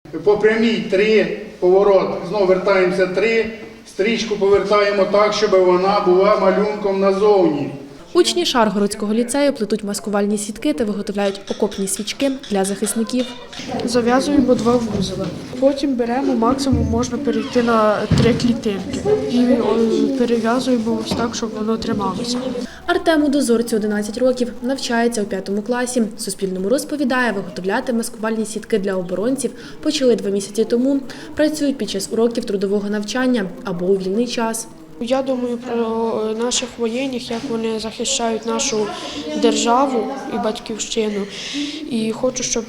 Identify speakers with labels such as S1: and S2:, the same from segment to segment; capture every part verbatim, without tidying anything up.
S1: По прямій три, поворот, знову вертаємося три, стрічку повертаємо так, щоб вона була малюнком назовні.
S2: Учні Шаргородського ліцею плетуть маскувальні сітки та виготовляють окопні свічки для захисників.
S3: Зав'язуємо два вузла. Потім беремо, максимум можна перейти на три клітинки. І перев'язуємо ось так, щоб воно трималося.
S2: Артему Дозорцю одинадцять років, навчається у п'ятому класі. Суспільному розповідає, виготовляти маскувальні сітки для оборонців почали два місяці тому. Працюють під час уроків трудового навчання або у вільний час.
S3: Я думаю про наших воєнних, як вони захищають нашу державу і батьківщину. І хочу, щоб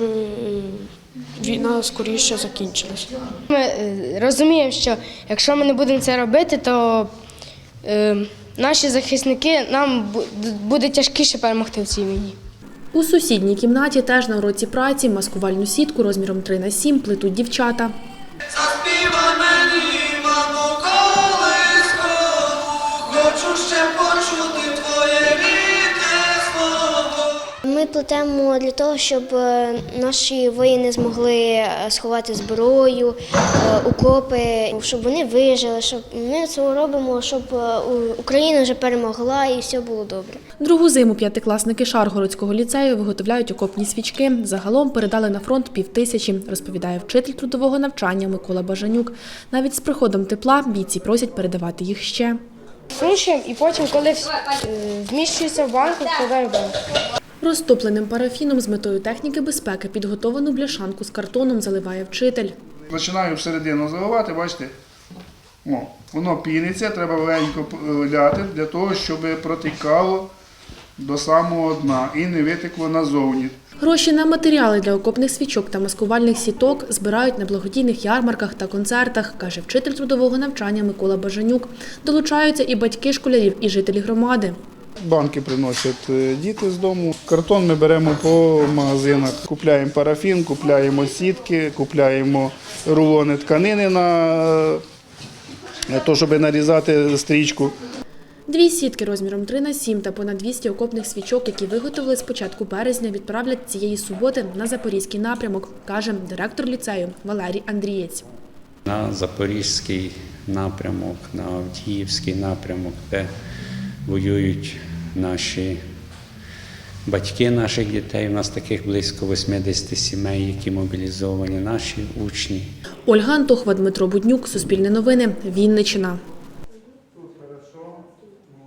S3: війна скоріше закінчилась.
S4: Ми розуміємо, що якщо ми не будемо це робити, то е, наші захисники, нам буде тяжкіше перемогти в цій війні.
S2: У сусідній кімнаті теж на уроці праці маскувальну сітку розміром три на сім плетуть дівчата.
S5: Заспівай мені, мамо, колискову, хочу ще почути твоє рідне слово.
S6: Ми плетемо для того, щоб наші воїни змогли сховати зброю, окопи, щоб вони вижили, щоб ми це робимо, щоб Україна вже перемогла і все було добре.
S2: Другу зиму п'ятикласники Шаргородського ліцею виготовляють окопні свічки. Загалом передали на фронт півтисячі, розповідає вчитель трудового навчання Микола Бажанюк. Навіть з приходом тепла бійці просять передавати їх ще.
S4: Сушуємо і потім, коли вміщується в банку, вкладаємо в банку.
S2: Розтопленим парафіном з метою техніки безпеки підготовану бляшанку з картоном заливає вчитель.
S1: Починаю всередину заливати, бачите, о, воно піниться, треба легенько ляти для того, щоб протікало до самого дна і не витекло назовні.
S2: Гроші на матеріали для окопних свічок та маскувальних сіток збирають на благодійних ярмарках та концертах, каже вчитель трудового навчання Микола Бажанюк. Долучаються і батьки школярів, і жителі громади.
S1: Банки приносять діти з дому. Картон ми беремо по магазинах. Купляємо парафін, купляємо сітки, купляємо рулони тканини на те, щоб нарізати стрічку.
S2: Дві сітки розміром три на сім та понад двісті окопних свічок, які виготовили з початку березня, відправлять цієї суботи на Запорізький напрямок, каже директор ліцею Валерій Андрієць.
S7: На Запорізький напрямок, на Авдіївський напрямок, де воюють наші батьки наших дітей. У нас таких близько вісімдесят сімей, які мобілізовані, наші учні.
S2: Ольга Антохова, Дмитро Буднюк, Суспільне новини, Вінниччина.